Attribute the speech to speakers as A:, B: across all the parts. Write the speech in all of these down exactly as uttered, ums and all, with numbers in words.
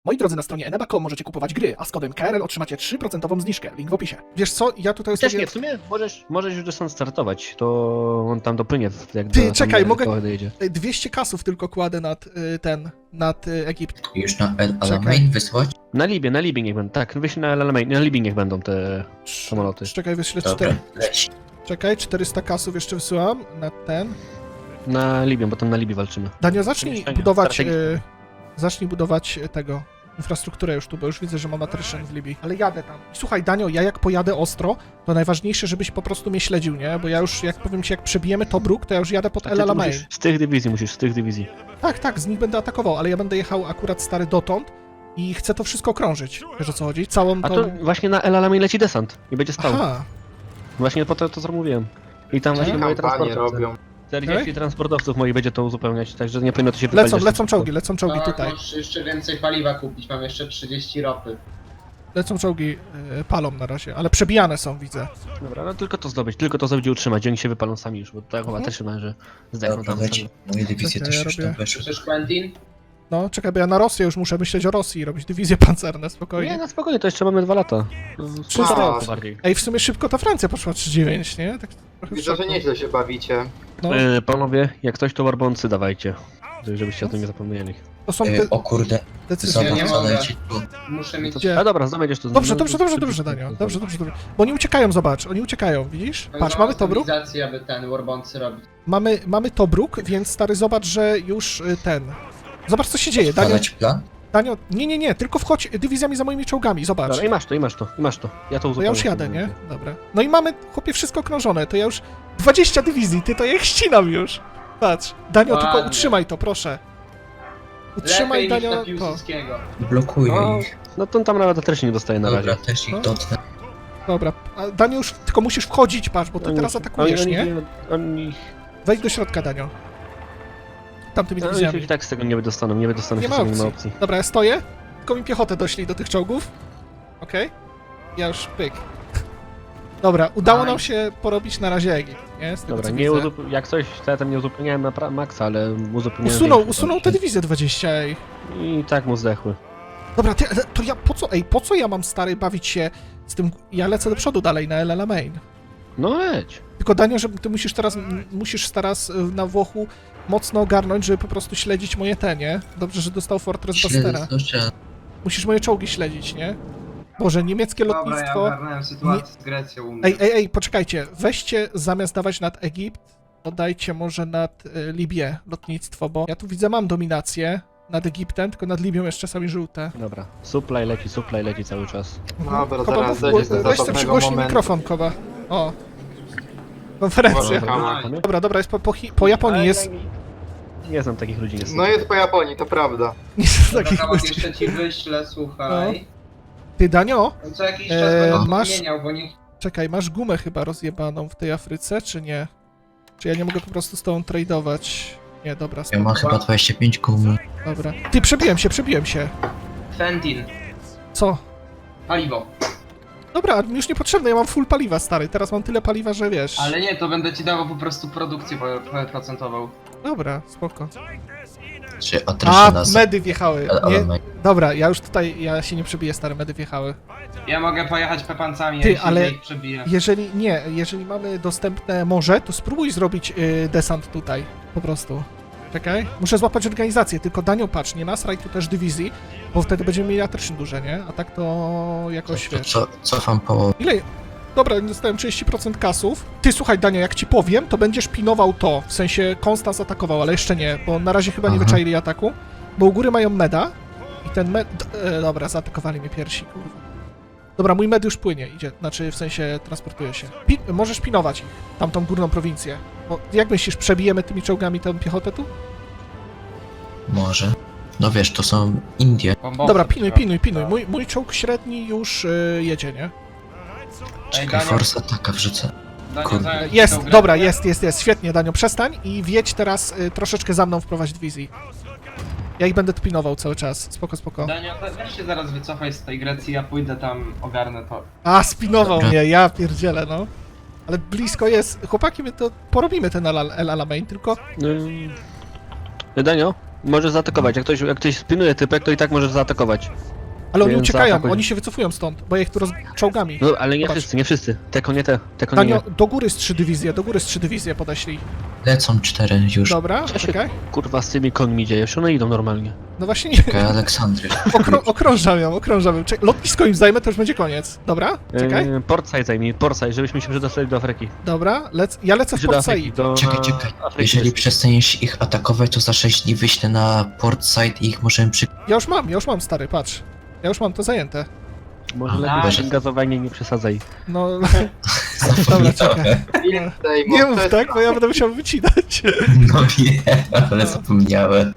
A: Moi drodzy, na stronie eneba kropka com możecie kupować gry, a z kodem K R L otrzymacie trzy procent zniżkę. Link w opisie. Wiesz co, ja tutaj
B: Też
A: sobie...
B: nie, w sumie możesz, możesz już stąd startować, to on tam dopłynie, jak
A: Ty,
B: do,
A: czekaj,
B: tam,
A: mogę-
B: do dojedzie.
A: dwieście kasów tylko kładę nad y, ten, nad y, Egipt.
C: Już na El
A: Czekaj.
C: Alamein wysłać?
B: Na Libie, na Libie niech będą, tak, wyślij na Alamein, na Libie niech będą te samoloty.
A: Czekaj, wyślę
C: Dobra,
A: cztery...
C: leci.
A: Czekaj, czterysta kasów jeszcze wysyłam na ten.
B: Na Libię, bo tam na Libii walczymy.
A: Danio, zacznij
B: Mieszkania
A: budować...
B: strategiczne.
A: Y, zacznij budować y, tego... infrastrukturę już tu, bo już widzę, że mam attrition w Libii. Ale jadę tam. I słuchaj, Danio, ja jak pojadę ostro, to najważniejsze, żebyś po prostu mnie śledził, nie? Bo ja już, jak powiem ci, jak przebijemy Tobruk, to ja już jadę pod
B: A
A: El
B: ty tu
A: Alamein.
B: musisz, z tych dywizji musisz, z tych dywizji.
A: Tak, tak, z nich będę atakował, ale ja będę jechał akurat stary dotąd i chcę to wszystko krążyć. Wiesz o co chodzi? Całą
B: A
A: tą...
B: to właśnie na El Alamein leci desant i będzie stał.
A: Aha,
B: Właśnie po to to zamówiłem. I tam właśnie moje
D: Kampanie
B: transportowce.
D: robią.
B: czterdzieści
A: Okej.
B: transportowców moich będzie to uzupełniać, także nie powinno to się wypalić.
A: lecą,
B: aż
A: lecą
B: tak
A: czołgi, lecą czołgi
D: Tak,
A: tutaj.
D: możesz jeszcze więcej paliwa kupić, mam jeszcze trzydzieści ropy.
A: Lecą czołgi, y, palą na razie, ale przebijane są, widzę.
B: szybko. Dobra, no tylko to zdobyć, tylko to zdobyć i utrzymać, oni się wypalą sami już, bo tak chyba
A: Mhm.
B: też się należy zdechną
C: Dobra,
B: tam
C: leci.
B: sami.
C: Moje dywizje
A: Czekaj,
C: też
A: ja
C: już
A: robię-
C: tam weszły.
D: Słyszysz, Quentin?
A: No, czekaj, bo ja na Rosję już muszę myśleć o Rosji i robić dywizje pancerne,
B: Nie,
A: spokojnie.
B: no spokojnie, to jeszcze mamy dwa lata.
A: Trzysta
B: Półtora
D: lat.
B: roku bardziej.
A: Ej, w sumie szybko ta Francja poszła trzy dziewięć, nie? Tak trochę w
D: Widzę, że
A: szoku.
D: nieźle się bawicie.
A: No,
B: E, panowie, jak coś to warbący dawajcie. Żebyście o tym nie zapomnieli.
A: to są
C: E,
A: te
C: o kurde,
A: decyzje,
D: nie
A: nie?
C: zobacz co
D: mogę.
C: leci tu.
D: Muszę mieć...
A: Gdzie?
B: A dobra, zdobędziesz to.
A: Dobrze,
B: no,
A: dobrze,
B: to
A: dobrze,
B: szybko,
A: dobrze,
B: szybko,
A: Danio.
B: szybko.
A: Dobrze, dobrze, dobrze. Bo oni uciekają, zobacz, oni uciekają, widzisz? Patrz, mamy Tobruk,
D: stabilizację, aby ten Warboncy robić.
A: mamy, mamy Tobruk, więc stary, zobacz, że już y, ten... Zobacz, co się dzieje, Danio,
C: Padać plan?
A: Danio, nie, nie, nie, tylko wchodź dywizjami za moimi czołgami, zobacz.
B: Dobra, i masz to, i masz to, i masz to. Ja to
A: To
B: uzupełnię.
A: ja już jadę, nie? Dobra. No i mamy, chłopie, wszystko krążone, to ja już... dwadzieścia dywizji, ty, to ja ich ścinam już. Patrz, Danio, tylko
D: Ładnie.
A: utrzymaj to, proszę. Utrzymaj,
D: Lepiej niż
A: Danio,
D: na
A: to.
D: Piłsudskiego.
C: Blokuję
B: No,
C: ich.
B: no to tam nawet też nie dostaje na
C: Dobra,
B: razie.
C: też ich
A: No.
C: dotknę.
A: Dobra, a Danio już, tylko musisz wchodzić, patrz, bo ty
B: Oni-
A: teraz atakujesz,
B: oni,
A: nie?
B: Oni, oni,
A: Wejdź do środka, Danio. Tamtymi
B: oni
A: dywizjami.
B: i tak z tego nie wydostaną, nie wydostaną
A: Nie
B: się
A: ma
B: z tego, nie ma
A: opcji.
B: opcji.
A: Dobra, ja stoję, tylko mi piechotę doślij do tych czołgów. Okej? Ja już pyk. Dobra, udało nam się porobić na razie Egipt, nie? Z tego,
B: Dobra,
A: co
B: nie
A: widzę.
B: uzup- jak coś, to ja tam nie uzupełniałem na pra- maksa, ale uzupełniałem
A: Usunął,
B: więcej.
A: usunął te dywizje dwadzieścia, ej.
B: I tak mu zdechły.
A: Dobra, ty, ale to ja po co, ej, po co ja mam, stary, bawić się z tym, ja lecę do przodu dalej na El Alamein.
B: No leć.
A: Tylko, Danio, że ty musisz teraz, m- musisz teraz y, na Włochu mocno ogarnąć, żeby po prostu śledzić moje te, nie? Dobrze, że dostał Fortress Bastera.
C: Śledzę to, że
A: Musisz moje czołgi śledzić, nie? Boże, niemieckie
D: Dobra, ja
A: lotnictwo...
D: ogarnąłem sytuację z Grecją u mnie.
A: Ej, ej, ej, poczekajcie, weźcie zamiast dawać nad Egipt, dodajcie może nad y, Libię lotnictwo, bo ja tu widzę, mam dominację nad Egiptem, tylko nad Libią jeszcze czasami żółte.
B: Dobra, supply leci, supply leci cały czas.
D: Dobra,
A: Koba,
D: zaraz
A: mów,
D: dojdzie do
A: weź sobie
D: zabawnego
A: przygłośnij
D: momentu.
A: mikrofon, Koba. O. Konferencja.
D: Dobra.
B: Dobra,
A: Dobra, dobra, jest po, po, Chi- po Japonii, jest...
B: Nie znam takich ludzi niestety.
D: No jest po Japonii, to prawda.
A: Nie jest
D: Dobra,
A: takich
D: Kawak,
A: ludzi.
D: jeszcze ci wyślę, słuchaj.
A: Ty, Danio,
D: Co jakiś czas
A: Eee,
D: będę
A: masz-
D: zmieniał, bo niech...
A: czekaj, masz gumę chyba rozjebaną w tej Afryce, czy nie? Czy ja nie mogę po prostu z tą tradeować? Nie, dobra,
C: ja
A: spoko,
C: mam chyba dwadzieścia pięć gumy.
A: dobra. Ty, przebiłem się, przebiłem się.
D: Fentin,
A: Co?
D: paliwo.
A: Dobra, mi już niepotrzebne, ja mam full paliwa, stary. Teraz mam tyle paliwa, że wiesz.
D: Ale nie, to będę ci dawał po prostu produkcję po- procentową.
A: Dobra, spoko.
C: Czy
A: A,
C: atryszy nas
A: medy wjechały.
C: El
A: Nie,
C: Alamein.
A: dobra, ja już tutaj, ja się nie przebiję, stare medy wjechały.
D: Ja mogę pojechać pepancami,
A: Ty,
D: jak się
A: ale-
D: ich przebiję.
A: Jeżeli, nie, jeżeli mamy dostępne morze, to spróbuj zrobić y, desant tutaj, po prostu. Czekaj, muszę złapać organizację, tylko Danio, patrz, nie nasraj tu też dywizji, bo wtedy będziemy mieli attrition duże, nie? A tak to jakoś,
C: To
A: wiesz...
C: co, cofam po...
A: Ile? Dobra, dostałem trzydzieści procent kasów. Ty, słuchaj, Danio, jak ci powiem, to będziesz pinował to, w sensie Konstans atakował, ale jeszcze nie, bo na razie chyba nie
C: Aha.
A: wyczaili ataku, bo u góry mają meda i ten med... d- E, dobra, zaatakowali mnie piersi, kurwa. Dobra, mój med już płynie, idzie, znaczy w sensie transportuje się. Pi możesz pinować ich, tamtą górną prowincję. Bo jak myślisz, przebijemy tymi czołgami tę piechotę tu?
C: Może. No wiesz, to są Indie.
D: Bombowce
A: Dobra, pinuj,
D: trzeba.
A: pinuj, pinuj. Mój, mój czołg średni już y, jedzie, nie?
C: Czekaj,
D: Daniel-
C: force ataka wrzucę.
D: Daniel,
C: Kurde.
D: zająć ci
A: Jest,
D: tą grę.
A: dobra, jest, jest, jest, świetnie, Danio, przestań i wjedź teraz y, troszeczkę za mną wprowadź dywizji. Ja ich będę tu pinował cały czas, spoko, spoko.
D: Daniel, we- weź się zaraz wycofaj z tej Grecji, ja pójdę tam, ogarnę to.
A: A, spinował
C: Dobra.
A: mnie, ja pierdzielę, no. Ale blisko jest, chłopaki, my to porobimy ten El, El Alamein, tylko...
B: Yy, Danio, Możesz zaatakować, jak ktoś, jak ktoś spinuje typek, to i tak możesz zaatakować.
A: Ale oni
B: Więc
A: uciekają,
B: zaatakuj.
A: oni się wycofują stąd, bo ja ich tu roz... czołgami.
B: No, ale nie
A: Zobacz.
B: wszyscy, nie wszyscy. Te nie te, te konie nie.
A: Tanio, do góry z trzy dywizje, do góry z trzy dywizje podeślij.
C: Lecą cztery już.
A: Dobra,
B: Co się
A: czekaj.
B: kurwa z tymi końmi dzieje? Już one idą normalnie.
A: No właśnie nie,
C: Czekaj, Aleksandry.
A: Okrą okrążam ją, okrążam ją. Czek lotnisko im zajmę, to już będzie koniec. Dobra, czekaj.
B: Yy, Portside zajmij, Portside, żebyśmy się przedostali do Afryki.
A: Dobra, lec ja lecę w
B: Czy do
A: Port
B: Afryki,
A: Said.
B: do...
C: Czekaj,
B: na
C: czekaj.
B: Afryki
C: Jeżeli
B: też.
C: przestaniesz ich atakować, to za sześć dni wyślę na Port Side i ich możemy przy...
A: Ja już mam, ja już mam, stary, patrz. Ja już mam to zajęte.
B: Może
C: A,
B: lepiej
D: nice.
B: waszym gazowanie nie przesadzaj.
A: No, dobra, czekaj.
E: Ile tutaj
A: Nie
E: mo-
A: mów
E: to jest-
A: tak, bo ja będę musiał wycinać.
C: No nie, ale zapomniałem.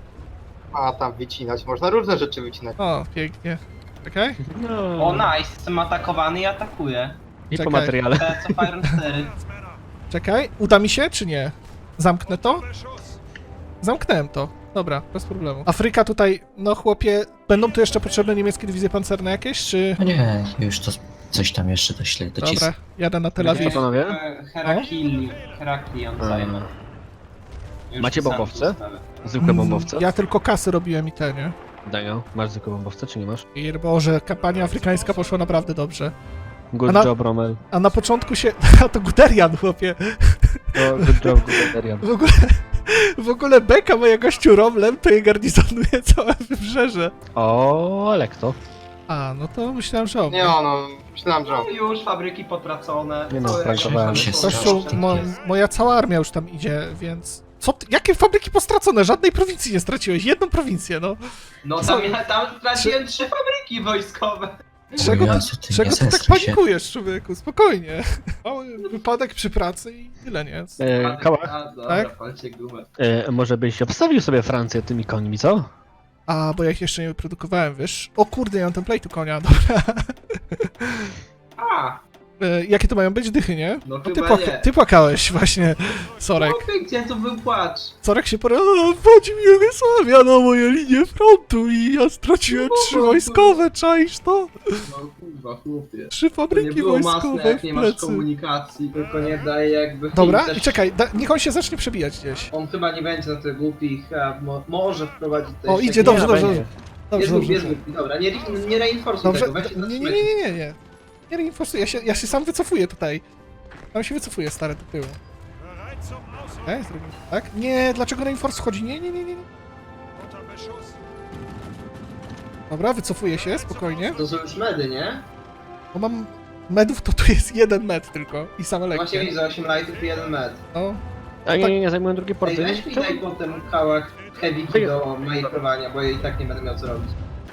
E: A tam wycinać, można różne rzeczy wycinać.
A: O, pięknie. Czekaj.
B: No.
D: O nice, jestem atakowany i atakuję.
B: I po
A: Czekaj.
B: materiale.
D: Te co Fire cztery.
A: Czekaj, uda mi się, czy nie? Zamknę to? Zamknęłem to. Dobra, bez problemu. Afryka tutaj, no chłopie, będą tu jeszcze potrzebne niemieckie dywizje pancerne jakieś, czy...
C: No nie, już to coś tam jeszcze doślę, docisnę.
A: Dobra, jadę na Tel
B: Co
A: Awiw.
B: panowie?
D: E, Herakli, Heraklion zajmę. Już
B: Macie
D: sam
B: bombowce?
D: ustawię.
B: Zwykłe bombowce?
A: Ja tylko kasy robiłem i te, nie?
B: Daniel, masz zwykłe bombowce, czy nie masz?
A: I Boże, kampania afrykańska poszła naprawdę dobrze.
B: Good
A: A na-
B: job, Rommel.
A: A na początku się... A to Guderian, chłopie.
B: To good job, Guderian.
A: W ogóle... W ogóle beka moja gościu Romlem to je garnizonuje całe wybrzeże.
B: O, Lekto.
A: A, no to myślałem, że on.
E: Nie no, myślałem, że...
D: No już fabryki potracone.
B: Nie no,
D: To
B: sprankowałem
D: jakieś
C: się.
D: fabryki
A: Zresztą
C: Strasznie
A: mo
C: jest.
A: moja cała armia już tam idzie, więc... Co ty? Jakie fabryki postracone? Żadnej prowincji nie straciłeś. Jedną prowincję, no.
D: No tam, ja, tam straciłem trzy fabryki wojskowe.
A: Czego ty,
C: Jezu, ty
A: czego
C: nie
A: ty tak
C: zestraj się.
A: panikujesz, człowieku? Spokojnie. Mały wypadek przy pracy i tyle, nie?
B: E, Kałach,
D: A, dobra,
A: Tak?
D: palcie gumę.
B: e, może byś obstawił sobie Francję tymi końmi, co?
A: A, bo ja ich jeszcze nie wyprodukowałem, wiesz? O kurde, ja mam template'u konia, dobra.
D: A,
A: E, jakie to mają być dychy, nie?
D: no
A: Bo ty,
D: chyba
A: płaka-
D: nie.
A: ty płakałeś właśnie, Sorek.
D: Chłopie, gdzie tu był płacz?
A: Sorek się porał, wchodzi mi Jugosławia na moje linie frontu i ja straciłem trzy wojskowe, czaisz to?
D: No kurwa, chłopie.
A: Trzy
D: To nie
A: fabryki
D: było masne,
A: wojskowe
D: jak
A: w
D: nie masz
A: plecy.
D: komunikacji, tylko nie daje jakby...
A: Dobra,
D: też-
A: i czekaj, da, niech on się zacznie przebijać gdzieś.
D: On chyba nie będzie na tych głupich, a mo może wprowadzić to
A: O,
D: jeszcze
A: idzie,
D: jakieś-
A: dobrze,
B: Nie,
A: dobrze,
B: będzie.
A: dobrze.
D: Jest
A: Dobrze,
D: głupi, jest
A: dobrze.
D: głupi, dobra, nie, nie reinforcuj
A: Dobrze,
D: tego, weź się
A: nie, nie, nie,
D: zatrzymaj.
A: nie, nie, nie. Nie reinforsuję, ja się, ja się sam wycofuję tutaj. Tam się wycofuję, stary, do tyłu. Okej, zrobimy tak. Nie, dlaczego reinforce wchodzi? Nie, nie, nie, nie. nie. Dobra, wycofuję się, spokojnie.
D: To są już medy, nie?
A: Bo mam medów, to tu jest jeden med tylko i same
D: Właśnie
A: lekkie.
D: widzę, osiem lightów i jeden med.
A: No,
B: A nie, nie, nie zajmują drugie
D: Ej,
B: porty.
D: weź mi
B: Czemu?
D: daj potem kałach heavy do majstrowania, bo ja i tak nie będę miał co robić.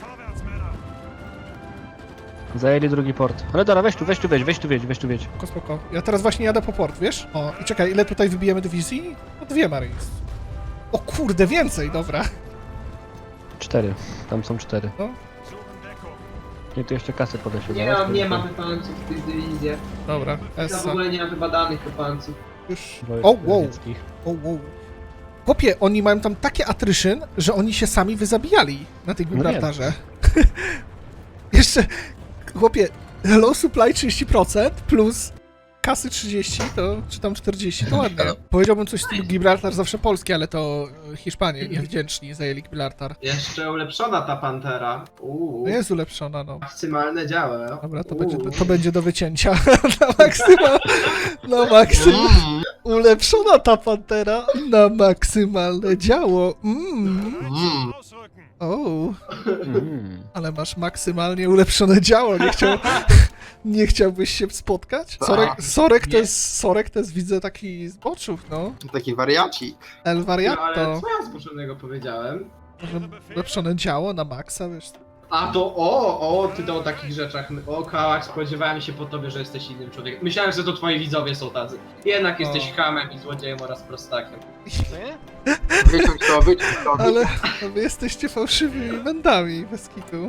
B: Zajęli drugi port. Ale dobra, weź tu, weź tu, weź, weź tu, weź, weź tu, weź.
A: spoko, spoko. Ja teraz właśnie jadę po port, wiesz? O, i czekaj, ile tutaj wybijemy dywizji? No dwie Marines. O kurde, więcej, dobra.
B: Cztery. Tam są cztery.
A: No.
B: Nie, tu jeszcze kasy podeślę.
D: Nie
B: zobacz,
D: mam,
B: tu
D: nie
B: jest-
D: mam wypanców w tych dywizjach.
A: Dobra,
D: Ja w
A: Essa.
D: ogóle nie mam chyba danych wypanców.
A: Już.
B: wojsk
A: O, wow.
B: radzieckich.
A: O, wow. Chłopie, oni mają tam takie attrition, że oni się sami wyzabijali na tej
B: No nie.
A: Gibraltarze. Jeszcze, chłopie, low supply trzydzieści procent plus kasy trzydzieści, to czy tam czterdzieści, to ładnie. Powiedziałbym coś z tym Gibraltar zawsze polski, ale to Hiszpanie niewdzięczni zajęli Gibraltar.
D: Jeszcze ulepszona ta pantera. Uuu.
A: No jest ulepszona, no.
D: Maksymalne działa.
A: Dobra, to
D: Uuu.
A: będzie, to będzie do wycięcia na maksymal, na maksymal.
E: Mm,
A: Ulepszona ta pantera na maksymalne działo. Mm.
E: mm.
A: O,
B: Mhm.
A: ale masz maksymalnie ulepszone działo. Nie, chciał, nie chciałbyś się spotkać? Sorek, Sorek, to
D: Nie.
A: jest, Sorek to jest, widzę, taki z boczów, no.
E: Taki wariacik.
A: El
D: No, ale
A: Variato.
D: co ja zboczonego powiedziałem?
A: Może ulepszone działo na maksa, wiesz.
D: A to o, o, ty to o takich rzeczach. O, Kałach, spodziewałem się po tobie, że jesteś innym człowiekiem. Myślałem, że to twoi widzowie są tacy. Jednak jesteś
A: O.
D: hamem i złodziejem oraz prostakiem.
E: Wyciąć to, wyciąć to.
A: Ale wy jesteście fałszywymi mędami, bez kitu.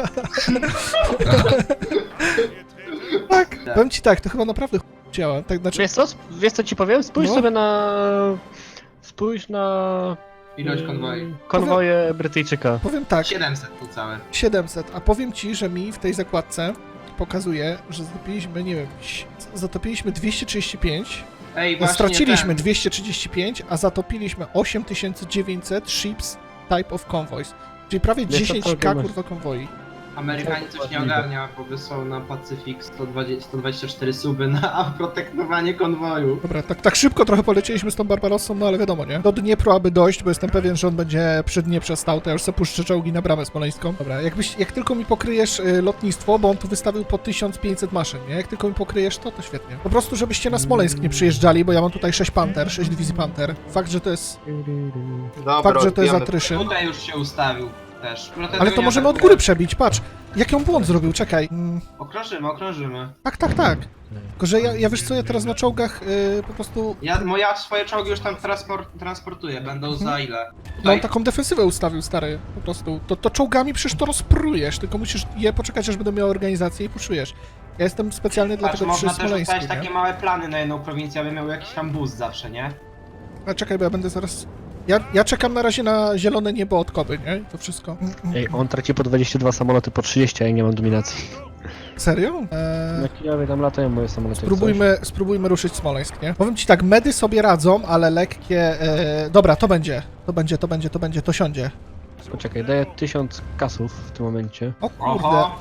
A: Tak, powiem ci tak, to chyba naprawdę ch- działa. Tak, znaczy,
B: Wiesz co, wiesz co ci powiem? Spójrz
A: No.
B: sobie na... Spójrz na...
D: Ilość
B: mm,
D: konwoi.
B: Konwoje Brytyjczyka.
A: powiem tak,
D: siedemset tu całe.
A: siedemset, a powiem ci, że mi w tej zakładce pokazuje, że zatopiliśmy, nie wiem, ś- zatopiliśmy dwieście trzydzieści pięć,
D: Ej,
A: no,
D: właśnie
A: straciliśmy
D: ten.
A: dwieście trzydzieści pięć, a zatopiliśmy osiem tysięcy dziewięćset ships type of convoys. Czyli prawie
B: Wiesz, co
A: dziesięć
B: to
A: ka
B: masz?
A: kurwa konwoi.
D: Amerykanie coś nie ogarnia, bo wysłał na Pacyfik sto dwadzieścia, sto dwadzieścia cztery suby na protektowanie konwoju.
A: Dobra, tak, tak szybko trochę polecieliśmy z tą Barbarossą, no ale wiadomo, nie? Do Dniepru aby dojść, bo jestem pewien, że on będzie przy Dnieprze stał, to ja już sobie puszczę czołgi na bramę smoleńską. Dobra, jakbyś, jak tylko mi pokryjesz y, lotnictwo, bo on tu wystawił po tysiąc pięćset maszyn, nie? Jak tylko mi pokryjesz to, to świetnie. Po prostu, żebyście na Smoleńsk nie przyjeżdżali, bo ja mam tutaj sześć Panther, sześć dywizji Panther. Fakt, że to jest,
E: Dobra,
A: fakt, że to jest
E: odbijamy.
A: atryszyn.
D: Tutaj już się ustawił też.
A: Ale to możemy od góry przebić, patrz. Jaki on błąd zrobił, czekaj. Mm,
D: Okrążymy, okrążymy.
A: tak, tak, tak. Tylko, że ja, ja wiesz co, ja teraz na czołgach y, po prostu...
D: Ja, moja swoje czołgi już tam transport, transportuję, będą za ile?
A: No on
D: Tutaj,
A: taką defensywę ustawił, stary, po prostu. To, to czołgami przecież to rozprujesz, tylko musisz je poczekać, aż będą miały organizację i puszujesz. Ja jestem specjalnie
D: patrz,
A: dlatego przy
D: można też
A: Smoleńsku,
D: ustalić takie
A: nie?
D: małe plany na jedną prowincję, aby miał jakiś tam boost zawsze, nie?
A: A czekaj, bo ja będę zaraz... Ja, ja czekam na razie na zielone niebo od Koby, nie? I to wszystko.
B: Ej, on traci po dwadzieścia dwa samoloty, po trzydzieści, a ja nie mam dominacji.
A: Serio? Eee,
B: Na Kijowie tam latają moje samoloty. jak
A: spróbujmy, spróbujmy ruszyć Smoleńsk, nie? Powiem ci tak, medy sobie radzą, ale lekkie... E, dobra, to będzie. To będzie, to będzie, to będzie, to siądzie.
B: coś. Poczekaj, daję tysiąc kasów w tym momencie.
A: O kurde.
D: Oho,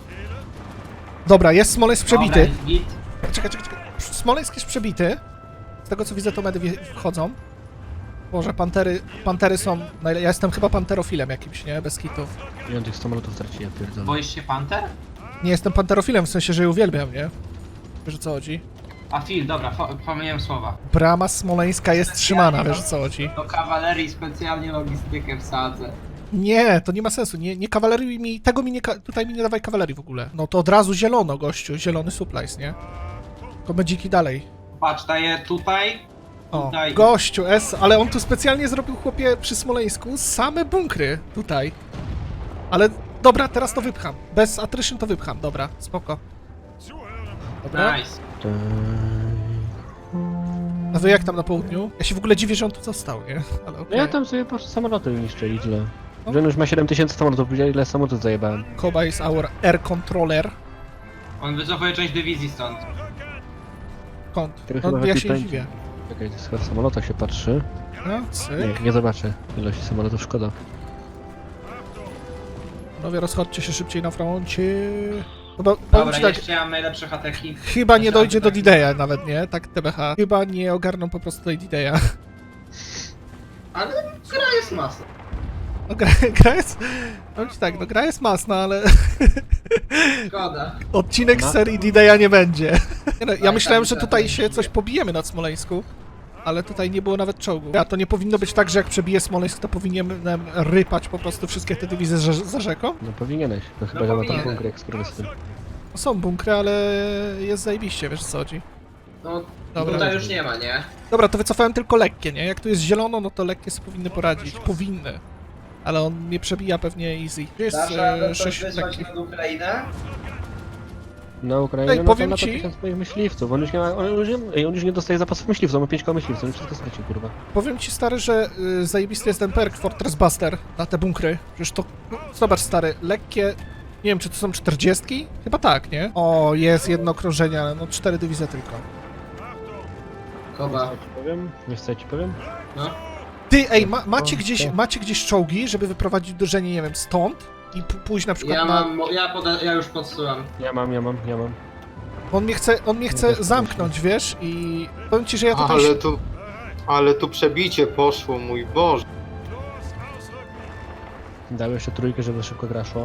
A: Dobra, jest Smoleńsk przebity.
D: dobra, git.
A: Czekaj, czekaj, czekaj. Smoleńsk jest przebity. Z tego co widzę, to medy wje- wchodzą. Boże, pantery, pantery są... najle- Ja jestem chyba panterofilem jakimś, nie? Bez kitów.
B: I on tych samolotów traci, ja pierdolę.
D: Boisz się Panther?
A: Nie jestem panterofilem, w sensie, że je uwielbiam, nie? Wiesz o co chodzi?
D: A Phil, dobra, fo- pomyliłem słowa.
A: Brama smoleńska jest trzymana, wiesz o co chodzi?
D: Do kawalerii specjalnie logistykę wsadzę.
A: Nie, to nie ma sensu, nie, nie kawalerii mi... Tego mi nie... ka- Tutaj mi nie dawaj kawalerii w ogóle. No to od razu zielono, gościu, zielony supplies, nie? To będziki dalej.
D: Patrz, daję tutaj,
A: O,
D: tutaj.
A: gościu, S, ale on tu specjalnie zrobił, chłopie, przy Smoleńsku same bunkry tutaj. Ale dobra, teraz to wypcham. Bez attrition to wypcham, dobra, spoko. Dobra.
D: Nice.
A: A wy jak tam na południu? Ja się w ogóle dziwię, że on tu został, nie? Ale
B: No
A: okej.
B: ja tam sobie po prostu samoloty niszczę i tyle.
A: No.
B: Że on już ma siedem tysięcy samolotów, widział ile samolotów zajebałem.
A: Koba is our air controller.
D: On wycofuje część dywizji stąd.
A: Kąt.
B: Tego
A: No,
B: chyba
A: ja
B: lepiej
A: się nie
B: pędzi.
A: dziwię.
B: Czekaj, to chyba w samolotach się patrzy.
A: No,
B: Nie,
A: cyk.
B: nie zobaczę ilości samolotów, szkoda.
A: Panowie, rozchodźcie się szybciej na froncie. Chyba, powiem
D: Dobra,
A: ci tak,
D: jeszcze ja mam najlepsze ataki.
A: chyba nie
D: Jeszcze
A: dojdzie do
D: ataki.
A: D-Daya nawet, nie? Tak T B H. Chyba nie ogarną po prostu tej D-Daya.
D: Ale gra jest masa.
A: No gra, gra jest... Powiem ci tak, no gra jest masna, ale
D: Szkoda.
A: odcinek z
B: Ma-
A: serii D-Daya nie będzie. Nie no, ja
D: Tak,
A: myślałem,
D: tak,
A: że
D: tak,
A: tutaj
D: tak.
A: się coś pobijemy nad Smoleńsku, ale tutaj nie było nawet czołgu. A to nie powinno być tak, że jak przebiję Smoleńsk, to powinienem rypać po prostu wszystkie te dywizje za, za rzeką?
B: No powinieneś, to chyba
D: No
B: że ma tam
D: powinienem.
B: bunkry jak skurwysyn.
A: No są bunkry, ale jest zajebiście, wiesz o co chodzi.
D: No,
A: Dobra.
D: tutaj już nie ma, nie?
A: Dobra, to wycofałem tylko lekkie, nie? Jak tu jest zielono, no to lekkie sobie powinny poradzić. Powinny. Ale on mnie przebija pewnie easy. Gdzie jest e, sześć lekkich?
D: na Ukrainę?
B: Na Ukrainie
A: Ej,
B: no
A: powiem
B: to lata
A: ci-
B: tysiąc moich myśliwców, on już nie ma, on już nie, ej, on już nie dostaje zapasów myśliwców, on ma pięć koła myśliwców, on już wszystko stracił, kurwa.
A: Powiem ci, stary, że y, zajebisty jest ten perk Fortress Buster na te bunkry. Przecież to... No, zobacz, stary, lekkie... Nie wiem, czy to są czterdziestki? Chyba tak, nie? O, jest jedno okrążenie, ale no cztery dywizje tylko.
D: Koba.
B: Co ci powiem? Wiesz co ja ci powiem?
D: No.
A: Ty, ej, ma, macie,
B: O,
A: gdzieś,
B: to.
A: macie gdzieś czołgi, żeby wyprowadzić uderzenie, nie wiem, stąd i p- pójść na przykład
D: Ja
A: na...
D: mam, ja, poda, ja już podsyłam.
B: Ja mam, ja mam, ja mam.
A: On mnie chce, on mnie chce
B: też
A: zamknąć, wiesz? I powiem ci, że ja tutaj...
E: Ale tu... Ale tu przebicie poszło, mój Boże.
B: Dał jeszcze trójkę, żeby szybko gra szła.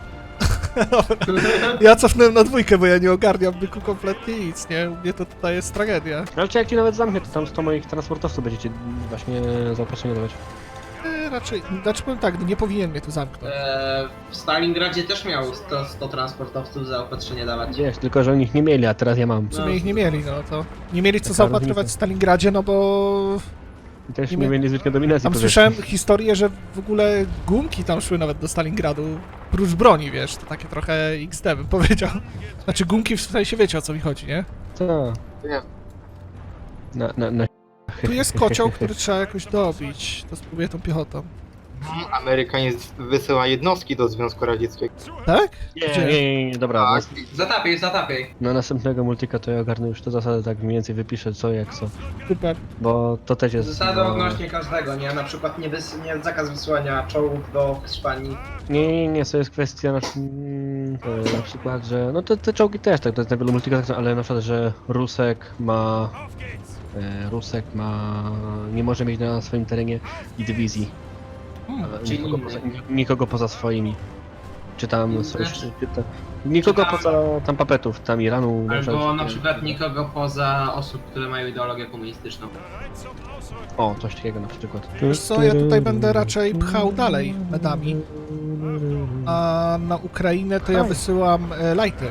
A: Ja cofnąłem na dwójkę, bo ja nie ogarniam byku kompletnie nic, nie? U mnie to tutaj jest tragedia.
B: Ale czy jak ci nawet zamknę, to tam sto moich transportowców będziecie właśnie zaopatrzenie dawać.
A: E, raczej, znaczy powiem tak, no nie powinien mnie tu zamknąć.
D: Eee, w Stalingradzie też miał sto, sto transportowców zaopatrzenie dawać.
B: Wiesz, tylko że oni ich nie mieli, a teraz ja mam.
A: W sumie ich nie mieli, no to... Nie mieli co
B: Taka
A: zaopatrywać
B: różnica.
A: w Stalingradzie, no bo...
B: I też
A: nie
B: nie
A: mia-
B: mieli zwykle dominacji.
A: Tam
B: powiedzmy.
A: słyszałem historię, że w ogóle gumki tam szły nawet do Stalingradu, prócz broni, wiesz, to takie trochę X D bym powiedział. Znaczy gumki w sensie wiecie o co mi chodzi, nie?
B: Co?
E: Nie.
B: Na, na, na...
A: Tu jest kocioł, który trzeba jakoś dobić, to spróbuję tą piechotą.
E: Amerykanie z- wysyła jednostki do Związku Radzieckiego.
A: Tak?
B: Nie,
A: Gdzie?
B: nie, nie, nie, dobra.
E: Tak.
B: nas-
D: Zatapiej, zatapiej.
B: Na następnego multika to ja ogarnę już te zasady, tak mniej więcej wypiszę co jak co.
A: Super.
B: Bo to też jest...
D: Zasady
B: no,
D: odnośnie każdego, nie? Na przykład nie, wys- nie zakaz wysyłania czołgów do Hiszpanii.
B: Nie, nie, nie, to jest kwestia na, mm, e, na przykład, że... No to te czołgi też, tak, to jest na wielu multikach, tak, ale na przykład, że Rusek ma... E, Rusek ma... nie może mieć na swoim terenie i dywizji.
A: Hmm.
B: Ale
D: Czyli
B: nikogo,
D: inny.
B: poza, nikogo poza swoimi. Czy tam...
D: Inny?
B: Coś, czy tam nikogo
D: Czy tam-
B: poza tam papetów, tam Iranu...
D: Albo na
B: czy-
D: przykład nikogo poza osób, które mają ideologię komunistyczną.
B: O, coś takiego na przykład.
A: Wiesz co, ja tutaj będę raczej pchał dalej medami. A na Ukrainę to ja wysyłam e, lighty.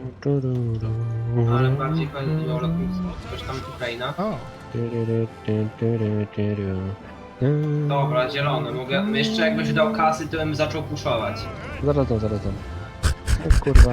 D: Ale bardziej chodzi o lotnictwo. Coś tam Ukraina.
A: O,
D: Dobra, zielony. Mogę... Jeszcze jakbyś dał kasy, to bym zaczął puszować.
B: Zaraz tam, zaraz tam. O, kurwa.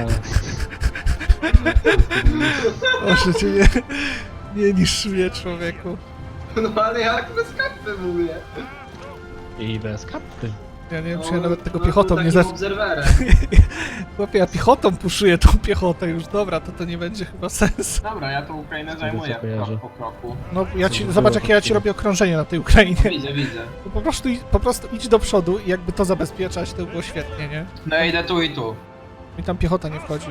A: proszę cię, nie, nie niszcz mnie, człowieku.
D: No ale jak bez kapy mówię.
B: I bez kapy.
A: Ja nie wiem, czy
D: No,
A: ja nawet tego
D: no,
A: piechotą
D: takim
A: nie zacznę.
D: obserwerem.
A: Chłopie, ja piechotą puszuję tą piechotę już, dobra, to to nie będzie chyba sensu.
D: Dobra, ja tą Ukrainę zajmuję
B: co kojarzę.
D: krok po kroku.
A: No, ja ci,
B: Co
A: zobacz
B: było
A: jakie ja ci
B: takiego?
A: robię okrążenie na tej Ukrainie.
D: Widzę, widzę.
A: No po prostu, idź- po prostu idź do przodu i jakby to zabezpieczać, to by było świetnie, nie?
D: No ja idę tu i tu.
A: I tam piechota nie wchodzi.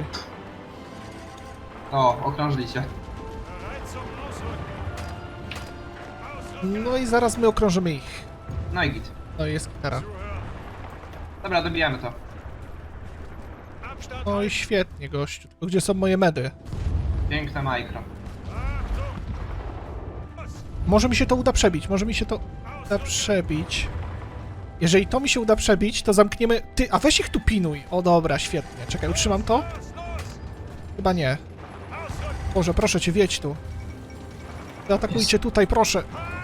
D: O, okrążyli się.
A: No i zaraz my okrążymy ich.
D: No i git.
A: No i jest gitara.
D: Dobra, dobijamy to.
A: No i świetnie, gościu. Tylko gdzie są moje medy?
D: Piękne mikro.
A: Może mi się to uda przebić, może mi się to uda przebić. Jeżeli to mi się uda przebić, to zamkniemy... Ty, a weź ich tu pinuj. O dobra, świetnie. Czekaj, utrzymam to? Chyba nie. Boże, proszę cię, wiedź tu. Zaatakujcie tutaj, proszę.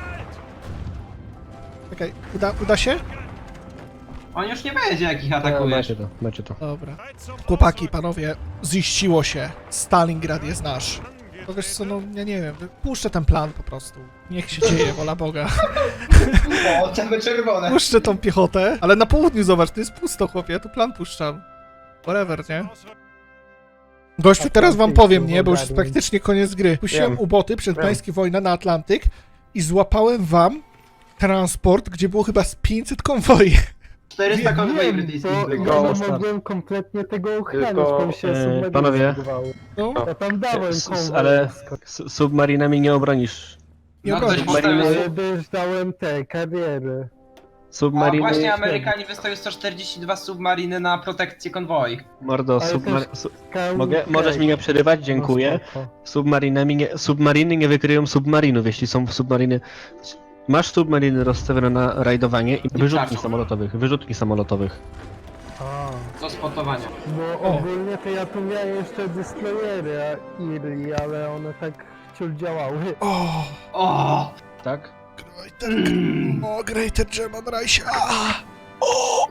A: Czekaj, uda, uda się?
D: On już nie będzie jak ich
B: No,
D: atakujesz.
B: macie to, macie to.
A: Dobra. Chłopaki, panowie, ziściło się. Stalingrad jest nasz. To wiesz co, no ja nie wiem, puszczę ten plan po prostu. Niech się dzieje, wola Boga.
D: O, czerwone czerwone.
A: Puszczę tą piechotę, ale na południu zobacz, to jest pusto, chłopie, ja tu plan puszczam. Whatever, nie? Gościu, teraz wam powiem, nie, bo już jest praktycznie koniec gry. Puściłem
B: Wiem.
A: uboty przed
B: Wiem.
A: pańskie wojna na Atlantyk i złapałem wam transport, gdzie było chyba z pięćset konwoi.
D: czterysta konwoi
F: Wiem,
D: brytyjskich
F: bo
D: było.
F: ja nie
B: start.
F: mogłem kompletnie tego ochronić,
E: Tylko,
F: bo mi się
B: e,
F: submedyny
B: panowie.
F: zbudowały.
A: No,
F: Ja tam dałem
B: S- s-
F: konwoj.
B: ale- S- Submarinami nie obronisz.
A: nie
D: No
A: obronisz.
D: ktoś postawił...
F: Ale też dałem te kariery.
D: A
B: Submariny...
D: właśnie Amerykanie wystawiły sto czterdzieści dwa submariny na protekcję konwoi.
B: Mordo,
F: Ale
B: submar...
F: też-
B: su...
F: Ka-
B: Mogę, możesz mi nie przerywać? Dziękuję.
F: No, spoko.
B: Submarinami nie... Submariny nie wykryją submarinów, jeśli są submariny... Masz submariny rozstawione na rajdowanie i wyrzutni
D: wczasów.
B: samolotowych, wyrzutni samolotowych.
F: A,
D: Do spotowania.
F: bo
A: O.
F: ogólnie to ja tu miałem jeszcze destroyery a- Iri, ale one tak ciul działały.
A: O,
D: O!
B: Tak?
A: Greater, o, Greater German Reich. A! O!